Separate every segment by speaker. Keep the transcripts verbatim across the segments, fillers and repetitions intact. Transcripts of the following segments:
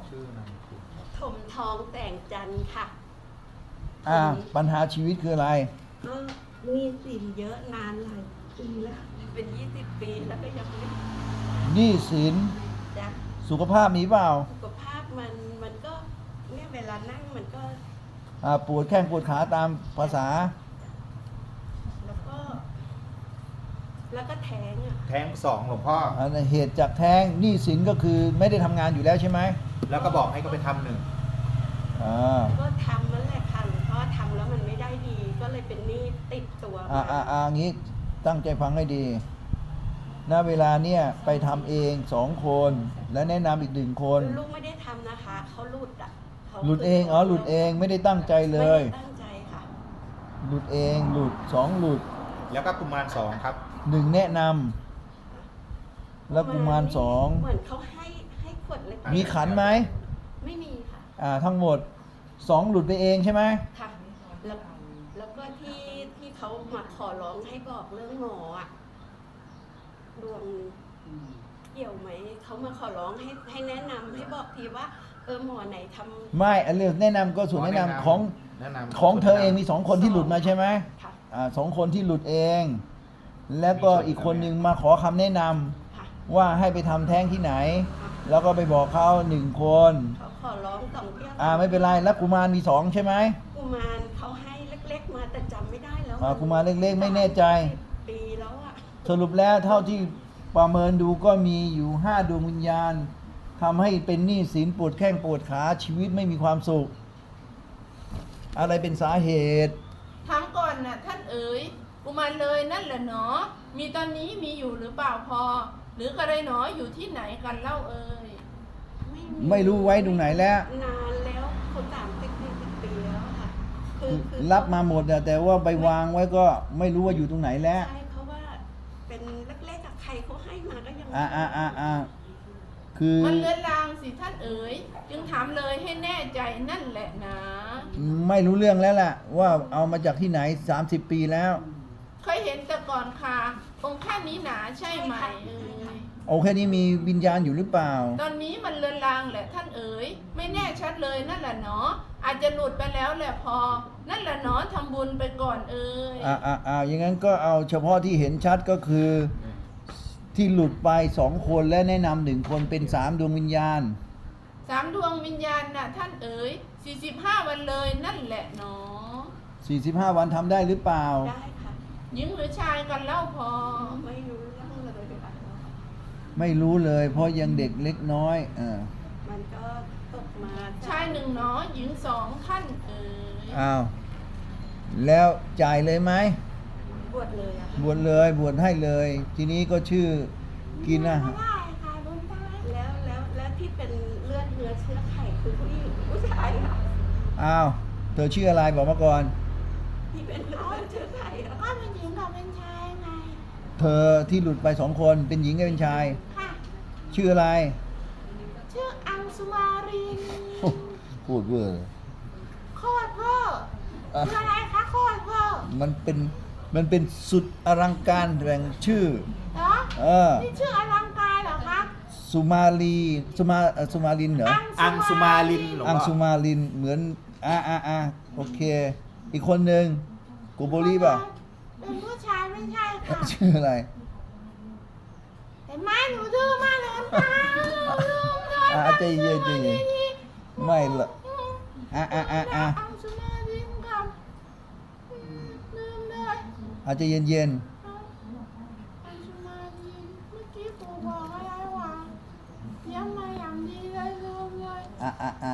Speaker 1: ชื่อนามสกุลครับ
Speaker 2: ถมทองแต่งจันทร์ค่ะ
Speaker 3: อ่าปัญหาชีวิตคืออะไร
Speaker 2: ก็มีสินเยอะนานหลายปีแล้วเป็นยี่สิบปีแล้วก็ยังไม่
Speaker 3: หนี้สิน
Speaker 2: จะ
Speaker 3: สุขภาพมีเปล่า
Speaker 2: สุขภาพมันมันก็เนี่ยเวลานั่งมันก็
Speaker 3: อ่าปวดแข้งปวดขาตามภาษา
Speaker 2: แล้วก็ แล้วก็แท้งอ่ะ
Speaker 1: แท้งสองหลวงพ่อ
Speaker 3: อ่าเหตุจากแท้งหนี้สินก็คือไม่ได้ทำงานอยู่แล้วใช่ไหม
Speaker 1: แล้วก็บอกให้เขาไปทำหนึ่ง
Speaker 3: อ่า
Speaker 2: ก็ทำนั่นแหละค่ะหลวงพ่อทำแล้วมันไม่ได้ดี ก็เลยเป็นหนี้ติดตัว
Speaker 3: อ่าอ่าอ่างี้ตั้งใจฟังให้ดีณเวลาเนี่ยไปทำเองสองคน และแนะนำอีกหนึ่งคน
Speaker 2: ลูกไม่ได้ทำนะคะเขาหลุดอ่ะขา
Speaker 3: หลุดเองอ๋อหลุดเองไม่ได้ตั้งใจเลย
Speaker 2: ไม่ได้ตั้งใจค่ะ
Speaker 3: หลุดเองหลุดสองหลุด
Speaker 1: แล้วก็กุมารสองครับ
Speaker 3: หนึ่งแนะนำแล้วกุมารสอง
Speaker 2: เหมือนเขาให้ให้ขวดเล็ก
Speaker 3: มีขันไหม
Speaker 2: ไม่มีค่ะ
Speaker 3: อ่าทั้งหมดสองหลุดไปเองใช่ไหม
Speaker 2: ค่ะแล้วแล้วก็ที่ที่เขามาขอร้องให้บอกเรื่องหมออะดวงเกี่ยวไหมเขามาขอร้องให้ให้แนะนำให้บอกทีว่าเออหมอไหนทำ
Speaker 3: ไม่อันเรื่องแนะนำก็ส่วนแนะนำของ
Speaker 1: แนะนำ
Speaker 3: ของเธอเองมีสองคนที่หลุดมาใช่ไหม
Speaker 2: ค่ะ
Speaker 3: อ่าสองคนที่หลุดเอง แล้วก็อีกคนหนึ่งมาขอคำแนะนำ
Speaker 2: ค่ะ
Speaker 3: ว่าให้ไปทำแท้งที่ไหน แล้วก็ไปบอกเขาหนึ่งคน
Speaker 2: เขาขอร้องสองเที่ยว
Speaker 3: อ่าไม่เป็นไรแล้วกุมารมีสองใช่ไหม
Speaker 2: กุมารเขาให้เล็กๆมาแต่จำไม่ได้แล้ว
Speaker 3: อ่ากุมารเล็กๆไม่แน่ใจ
Speaker 2: ปีแล้วอะ
Speaker 3: สรุปแล้วเท่าที่ประเมินดูก็มีอยู่ห้าดวงวิญญาณทำให้เป็นหนี้สินปวดแข้งปวดขาชีวิตไม่มีความสุข อะไรเป็นสาเหตุ
Speaker 4: ถามก่อนนะท่านเอ๋ยกุมารเลยนั่นแหละเนาะมีตอนนี้มีอยู่หรือเปล่าพอ หรือกระไรหนออยู่ที่ไหนกันเล่าเอ๋ย
Speaker 3: ไม่รู้ไว้ตรงไหนแล้ว
Speaker 2: นานแล้วคนสามสิบสี่สิบปีแล้วอะค่ะคือคือ
Speaker 3: รับมาหมดอะแต่ว่าไปวางไว้ก็ไม่รู้ว่าอยู่ตรงไหนแล้ว
Speaker 2: ใช่เพราะว่าเป็นเล็กๆอะใครเขาให้มาก็ยัง
Speaker 3: อ่าอ่าอ่าอ่าคือ
Speaker 4: มันเลือนลางสิท่านเอ๋ยจึงถามเลยให้แน่ใจนั่นแหละนะ
Speaker 3: ไม่รู้เรื่องแล้วล่ะ ว่าเอามาจากที่ไหนสามสิบปีแล้ว
Speaker 4: เคยเห็นแต่ก่อนค่ะองค์แค่นี้หนาใช่ไหมเอ๋ย
Speaker 3: โอแค่นี้มีวิญญาณอยู่หรือเปล่า
Speaker 4: ตอนนี้มันเลือนลางแหละท่านเอ๋ยไม่แน่ชัดเลยนั่นแหละเนาะอาจจะหลุดไปแล้วแหละพอ นั่นแหละเนาะทำบุญไปก่อนเอ๋ย
Speaker 3: อ่าอ่าอ่าอย่างนั้นก็เอาเฉพาะที่เห็นชัดก็คือ ที่หลุดไปสองคนและแนะนำหนึ่งคนเป็นสามดวงวิญญาณ
Speaker 4: สามดวงวิญญาณน่ะท่านเอ๋ยสี่สิบห้าวันเลยนั่นแหละเนาะ
Speaker 3: สี่สิบห้าวันทำได้หรือเปล่า
Speaker 2: ได้ค่ะ
Speaker 4: หญิงหรือชายกันเล่าพอ
Speaker 2: ไม่รู้เรื่องเลยค่ะ
Speaker 3: ไม่รู้เลย เพราะยังเด็กเล็กน้อยเออ
Speaker 2: มันก็ตกมา
Speaker 4: ชายหนึ่งเนาะหญิงสองท่านเอ๋ย
Speaker 3: อ้าวแล้วจ่ายเลยไหม
Speaker 2: บวชเลยอะค่ะ
Speaker 3: บวชเลยบวชให้เลย ทีนี้ก็ชื่อกินนะ
Speaker 2: ได้ค่ะหลวงตาแล้วแล้วแล้วที่เป็นเลือดเนื้อเชื้อไขคือผู้หญิงหรือผู้ชายค่ะ
Speaker 3: อ้าวเธอชื่ออะไรบอกมาก่อน
Speaker 2: ที่เป็นเลือดเนื้อเชื้อไขอะ
Speaker 4: ก็เป็นหญิงกับเป็นชายไง
Speaker 3: เธอที่หลุดไปสองคนเป็นหญิงกับเป็นชาย
Speaker 4: ค่ะ
Speaker 3: ชื่ออะไร
Speaker 4: ชื่ออังสุมาริน
Speaker 3: โอ้พูดเวอร์
Speaker 4: โคตรเวอร์
Speaker 3: อ่ะ
Speaker 4: คืออะไรคะโคตรเวอร์
Speaker 3: มันเป็นมันเป็นสุดอลังการแบ่งชื่อ
Speaker 4: เหรอ
Speaker 3: เออ
Speaker 4: นี่ชื่ออลังการเหรอคะ
Speaker 3: สุมาลีสุมาเอ่อสุมาลินเหรอ
Speaker 1: อังสุมาลินหลวง
Speaker 3: อัง
Speaker 1: พ่อ
Speaker 3: สุมาลินเหมือนอ่าอ่าอ่าโอเค อีกคนหนึ่งโกโบลีป่ะ
Speaker 4: เป็นผู้ชายไม่ใช่ค่ะ
Speaker 3: ชื่ออะไร
Speaker 4: เห็นไหมหนูดื้อมากเลยน้ำตาลืมเลย
Speaker 3: อ่าใจเย็นใจเย็นไม่ละอ่าอ่าอ่าอ่า
Speaker 4: อังสุมารินกับอืมลืมเลย
Speaker 3: อาจจะเย็นเย็น
Speaker 4: อังสุมารินเมื่อกี้ปู่บอกอะไรวะเตรียมมาอย่างดีเลยลืมเลย
Speaker 3: อ่าอ่าอ่า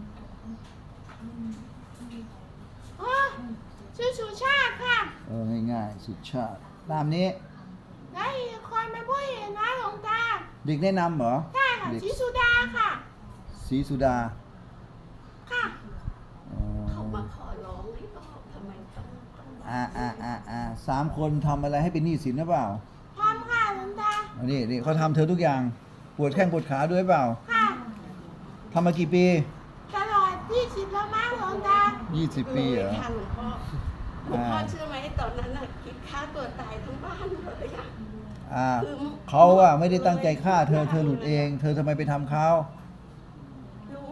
Speaker 4: อ๋อชื่อสุชาติค่ะ
Speaker 3: เออง่ายๆสุดชาติตามนี้
Speaker 4: และอีกคนเป็นผู้หญิงนะหลวงตา
Speaker 3: เด็กแนะนำเหรอ
Speaker 4: ใช่ค่ะ
Speaker 3: เด็ก
Speaker 4: ชิสุดาค่ะ
Speaker 3: ศรีสุดา
Speaker 4: ค่ะ
Speaker 3: อ๋อ
Speaker 2: เขามาขอร้องให้บอกทำไมต้องต้อง
Speaker 3: อ่าอ่าอ่าอ่าสามคนทำอะไรให้เป็นหนี้สินหรือเปล่า
Speaker 4: พร้อมค่ะหลวงตา
Speaker 3: อันนี้นี่เขาทำเธอทุกอย่างปวดแข้งปวดขาด้วยเปล่า
Speaker 4: ค่ะ
Speaker 3: ทำมากี่ปี
Speaker 4: ตลอดยี่สิบแล้วมั้งหลวงตา
Speaker 3: ยี่สิบปีเหรอ
Speaker 2: ค่ะหลวงพ่อหลวงพ่อเชื่อไหมตอนนั้นน่ะคิดฆ่าตัวตายทั้งบ้านเลยอะ
Speaker 3: อ่าเขาอะไม่ได้ตั้งใจฆ่าเธอเธอหลุดเอง เธอทำไมไปทำเขา
Speaker 2: รู้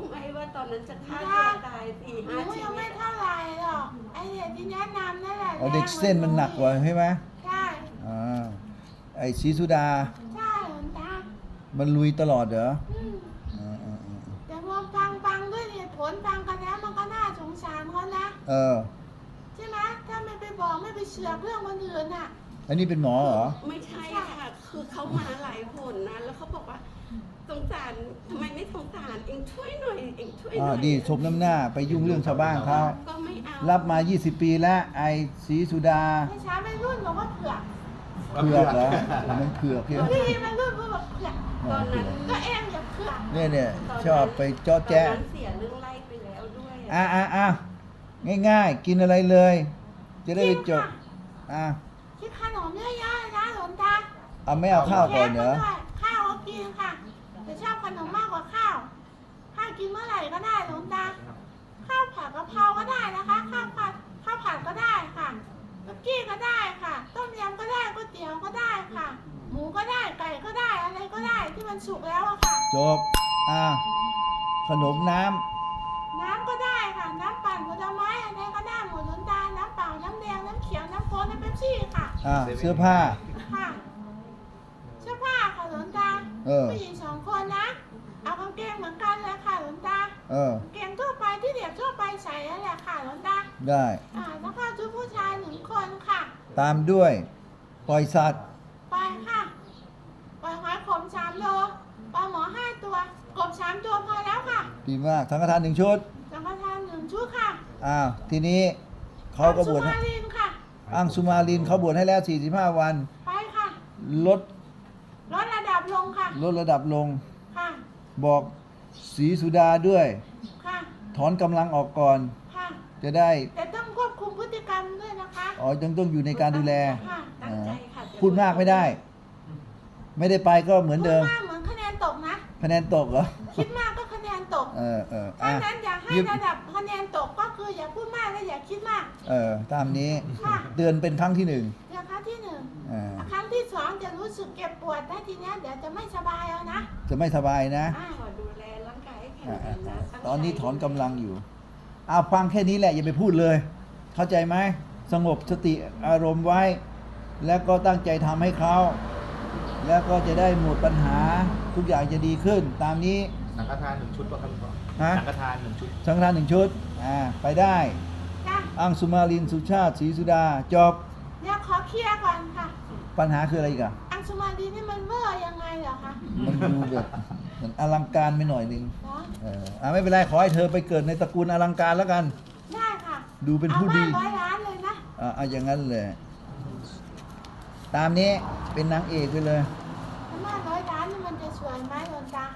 Speaker 2: ตอนนั้นจะฆ่าตัวตายสี่
Speaker 5: หนู
Speaker 2: ห้าชี
Speaker 5: ยัง
Speaker 2: วิ
Speaker 5: ไม่
Speaker 2: ต
Speaker 5: เท่าไหร่หรอกไอเด็กที่แนะนำนั่นแหละ
Speaker 3: เอาเด็กเส้นมันหนักกว่าใช่ไหม
Speaker 5: ใช่
Speaker 3: อ่าไอ้ศรีสุดา
Speaker 5: ใช่หลวงตา
Speaker 3: มันลุยตลอดเหรอ
Speaker 5: อืม
Speaker 3: อ่าอ่าอ่า
Speaker 5: แต่พอฟังฟังด้วยเหตุผลฟังกันแล้วมันก็น่าสงสารเขานะ
Speaker 3: เออ
Speaker 5: ใช่ไหมถ้าไม่ไปบอกไม่ไปเชือกเรื่องคนอื่นอ่ะ
Speaker 3: อันนี้เป็นหมอเหรอ
Speaker 2: ไม่ใช่ค่ะ คือเขามาหลายคนนะ แล้วเขาบอกว่าสงสารทำไมไม่สงสารเองช่วยหน่อยเองช่วยห
Speaker 3: อ่า
Speaker 2: น่อย
Speaker 3: ดีสมน้ำหน้าไปยุ่งเรื่องชาวบ้านเขา
Speaker 2: ก็ไม่เอา
Speaker 3: รับมา ยี่สิบ ปีแล้วไอ้ศรีสุดา
Speaker 5: ไม่ช้าไม่รุ่นบอกว่าเผือก
Speaker 3: เผือกเหรอมันเผือกใช่ไหม
Speaker 5: พี่ไม่รุ่นก็บอกเผือก
Speaker 2: ตอนนั้น
Speaker 5: ก็เองอย่าเผือก
Speaker 3: เนี่ยเนี่ยชอบไปเจาะแจ๊
Speaker 2: ตอนนั้นเสียเรื่องไล่ไปแล้วด้วย
Speaker 3: อ่ะอ่ะอ่ะง่ายๆ กินอะไรเลย จะได้ไปจบอ่ะ
Speaker 5: คิดขนมเยอะๆเลยนะหลวงตา
Speaker 3: เอาไม่เอาข้าวก่อนเหรอ
Speaker 5: ค้กมาด้วยข้าวก็กินค่ะแต่ชอบขนมมากกว่าข้าวข้าวกินเมื่อไหร่ก็ได้หลวงตาข้าวผัดกะเพราก็ได้นะคะ ข้าวผัดข้าวผัดก็ได้ค่ะซุกี้ก็ได้ค่ะ ต้มยำก็ได้ก๋วยเตี๋ยวก็ได้ค่ะ หมูก็ได้ไก่ก็ได้อะไรก็ได้ที่มันสุกแล้วอะค่ะ
Speaker 3: จบอ่ะขนมน้
Speaker 5: น้ำก็ได้ค่ะ น้ำปั่นผลไม้อะไรก็ได้หมดหลวงตาน้ำเปล่าน้ำแดงน้ำเขียวน้ำโค้กน้ำเป๊ปซี่ค่ะ
Speaker 3: ำอ่ะเสื้อผ้า
Speaker 5: ค่ะเสื้อผ้าค่ะหลวงตา
Speaker 3: เออ
Speaker 5: ผู้หญิงสองคนนะ เอากางเกงเหมือนกันเลยค่ะหลวงตา
Speaker 3: เออ
Speaker 5: กางเกงทั่วไปที่เด็กทั่วไปใส่นั่นแหละค่ะหลวงตา
Speaker 3: ได้
Speaker 5: อ่าแล้วก็ชุดผู้ชายหนึ่งคนค่ะ
Speaker 3: ตามด้วยปล่อยสัตว์
Speaker 5: ไปค่ะปล่อยหอยขมสามโลปลาหมอห้าตัวกบสามตัวพอแล้วค่ะ
Speaker 3: ดีมากสังฆทานหนึ่งชุด
Speaker 5: สังฆทานหนึ่งชุดค่ะ
Speaker 3: อ้าวทีนี้เขาก็บวช
Speaker 5: อั
Speaker 3: ให้
Speaker 5: งสุมาลินค่ะ
Speaker 3: อังสุมาลินเขาบวชให้แล้ว สี่สิบห้า วัน
Speaker 5: ไปค่ะ
Speaker 3: ลด
Speaker 5: ลดระดับลงค่ะ
Speaker 3: ลดระดับลง
Speaker 5: ค่ะ
Speaker 3: บอกศรีสุดาด้วย
Speaker 5: ค่ะ
Speaker 3: ถอนกำลังออกก่อน
Speaker 5: ค่ะ
Speaker 3: จะได้
Speaker 5: แต่ต้องควบคุมพฤติกรรมด้วยนะคะ
Speaker 3: อ๋อยังต้องอยู่ในการดูแล
Speaker 5: ค่ะ
Speaker 2: ตั้งใจค่ะ
Speaker 3: พูดมากไม่ได้ ไม่ได้ไปก็เหมือนเดิม
Speaker 5: พูดมากเหมือนคะแนนตกนะ
Speaker 3: คะแนนตกเหรอ
Speaker 5: คิดมากก็คะแนนตก
Speaker 3: เออเออ
Speaker 5: ถ้า
Speaker 3: อ่ะ
Speaker 5: นั้นอยากให้
Speaker 3: ยึด
Speaker 5: ระดับคะแนนตกก็คืออย่าพูดมากและอย่าคิดมาก
Speaker 3: เออตามนี้
Speaker 5: ค่ะ
Speaker 3: เตือนเป็นครั้งที่หนึ่ง
Speaker 5: เดี๋ยวครั้งที่หนึ่ง
Speaker 3: อ่า
Speaker 5: ครั้งที่สองจะรู้สึกเก็บปวดนะทีเนี้ยเดี๋ยวจะไม่สบายเอานะ
Speaker 3: จะไม่สบายนะ
Speaker 5: อ่า
Speaker 2: ขอดูแลร่างกายให้แข็ง
Speaker 3: อ่า
Speaker 2: แร
Speaker 3: อ่าง
Speaker 2: นะ
Speaker 3: อ่า
Speaker 2: ตั้งใจ
Speaker 3: ตอนนี้ถอนกำลังอยู่เอาฟังแค่นี้แหละอย่าไปพูดเลย เข้าใจไหมสงบสติอารมณ์ไว้ แล้วก็ตั้งใจทำให้เขา แล้วก็จะได้หมดปัญหาทุกอย่างจะดีขึ้น ตามนี้
Speaker 1: สังฆทานหนึ่งชุดป่ะครับหลวงพ่อ
Speaker 3: ฮะ
Speaker 1: สังฆทานหนึ่งชุด
Speaker 3: สังฆทานหนึ่งชุดอ่าไปได้
Speaker 5: จ้ะ
Speaker 3: อังสุมาลินสุชาติศรีสุดาจบ
Speaker 5: เดี๋ยวขอเคลียร์ก่อนค่ะ
Speaker 3: ปัญหาคืออะไรอีกอะ
Speaker 5: อังสุมาดีนี่มันเวอร์ยังไงเหรอคะ
Speaker 3: มันดูแบบเหมือนอลังการไปหน่อยหนึง
Speaker 5: เนาะ
Speaker 3: เอออ่าไม่เป็นไรขอให้เธอไปเกิดในตระกูลอลังการแล้วกัน
Speaker 5: ได้ค่ะ
Speaker 3: ดูเป็น
Speaker 5: เอา
Speaker 3: ผู้
Speaker 5: บ้า
Speaker 3: ดี
Speaker 5: นร้อยล้านเลยนะ
Speaker 3: อ่าเอาอย่างนั้นเลย ตามนี้เป็นนางเอกไปเลย
Speaker 5: ถ้าบ้านร้อยล้านนี่มันจะสวยไหมหลวงตา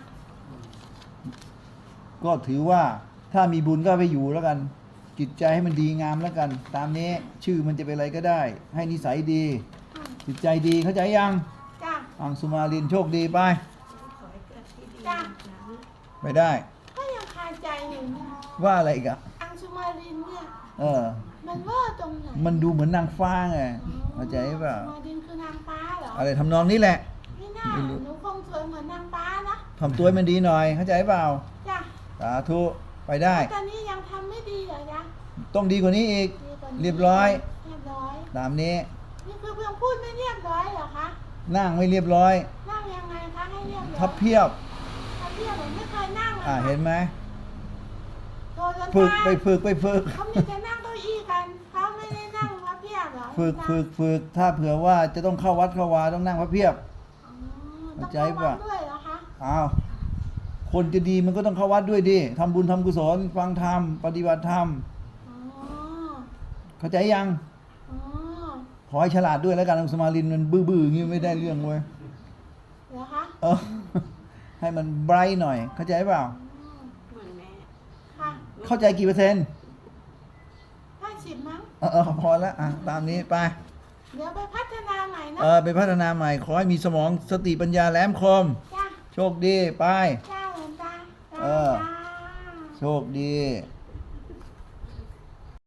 Speaker 3: ก็ถือว่าถ้ามีบุญก็ไปอยู่แล้วกัน จิตใจให้มันดีงามแล้วกัน ตามนี้ชื่อมันจะเป็นอะไรก็ได้ ให้นิสัยดี
Speaker 5: อืม
Speaker 3: จิตใจดีเข้าใจยัง
Speaker 5: จ้ะ
Speaker 3: อังสุมาลินโชคดีไป
Speaker 2: ขอให้เกิดที่ดี
Speaker 5: จ้ะ
Speaker 2: นะ
Speaker 3: ไม่ได้
Speaker 5: ก็ยังคาใจอยู่นะ
Speaker 3: ว่าอะไรอีกอะ
Speaker 5: อังสุมาลินเนี่ย
Speaker 3: เออ
Speaker 5: มันเวอร์ตรงไหน
Speaker 3: มันดูเหมือนนางฟ้าไงเข้าใจเปล่า
Speaker 5: อังสุมาลินคือนางฟ้าเหรอ
Speaker 3: อะไรทำนองนี้แหละ
Speaker 5: ไม่น่า
Speaker 3: ไม่รู้
Speaker 5: หนูคงสวยเหมือนนางฟ้านะ
Speaker 3: ทำตัวให้มันดีหน่อย เข้าใจเปล่า
Speaker 5: จ้ะ
Speaker 3: สาธุไปได้
Speaker 5: ตอนนี้ยังทำไม่ดีเหรอจ๊ะ
Speaker 3: ต้องดีกว่านี้อีก
Speaker 5: ดีกว่านี้
Speaker 3: เรียบร้อย
Speaker 5: เรียบร้อย
Speaker 3: ตามนี้
Speaker 5: นี่คือเพียงพูดไม่เรียบร้อยเหรอคะ
Speaker 3: นั่งไม่เรียบร้อย
Speaker 5: นั่งยังไงคะให้เรียบร้อย
Speaker 3: ทับเพียบ
Speaker 5: ทับเพียบผมไม่เคยนั่งเลย
Speaker 3: อ่า
Speaker 5: ค่ะ
Speaker 3: เห็นไหม
Speaker 5: โทรจน
Speaker 3: ฝึก
Speaker 5: ตาย
Speaker 3: ไปฝึกไปฝึก
Speaker 5: เขามีแต่นั่งเก้าอี้กันเขาไม่ได้นั่งพับเพียบเหรอ
Speaker 3: ฝึกฝึกฝึกถ้าเผื่อว่าจะต้องเข้าวัดเข้าวาต้องนั่งพระเพียบ
Speaker 5: อ๋อ
Speaker 3: เข้า
Speaker 5: ต้อง
Speaker 3: ใจ
Speaker 5: เข้าวั
Speaker 3: ป่ะ
Speaker 5: ดด้วยเหรอคะ
Speaker 3: อ้าวคนจะดีมันก็ต้องเข้าวัดด้วยดิทำบุญทำกุศลฟังธรรมปฏิบัติธรรม
Speaker 5: อ๋อ
Speaker 3: เข้าใจยัง
Speaker 5: อ๋อ
Speaker 3: ขอให้ฉลาดด้วยแล้วกันอังสมาลินมันบื้อๆอย่างงี้ไม่ได้เรื่องเว้ย
Speaker 5: เหรอคะ
Speaker 3: เออ ให้มันไบรท์หน่อย เข้าใจเปล่า
Speaker 5: อ๋อ
Speaker 2: เหมือนแม่
Speaker 5: ค่ะ
Speaker 3: เข้าใจกี่เปอร์เซ็นต์
Speaker 5: ห้าสิบมั้ง
Speaker 3: เออเออพอแล้วอ่ะตามนี้ไป
Speaker 5: เดี๋ยวไปพัฒนาใหม่นะ
Speaker 3: เออไปพัฒนาใหม่ ขอให้มีสมองสติปัญญาแหลมคม
Speaker 5: จ้า
Speaker 3: โชคดีไป
Speaker 5: จ้าหลวงตาจ้า
Speaker 3: เออ
Speaker 5: จ้า
Speaker 3: โชคดี
Speaker 5: จ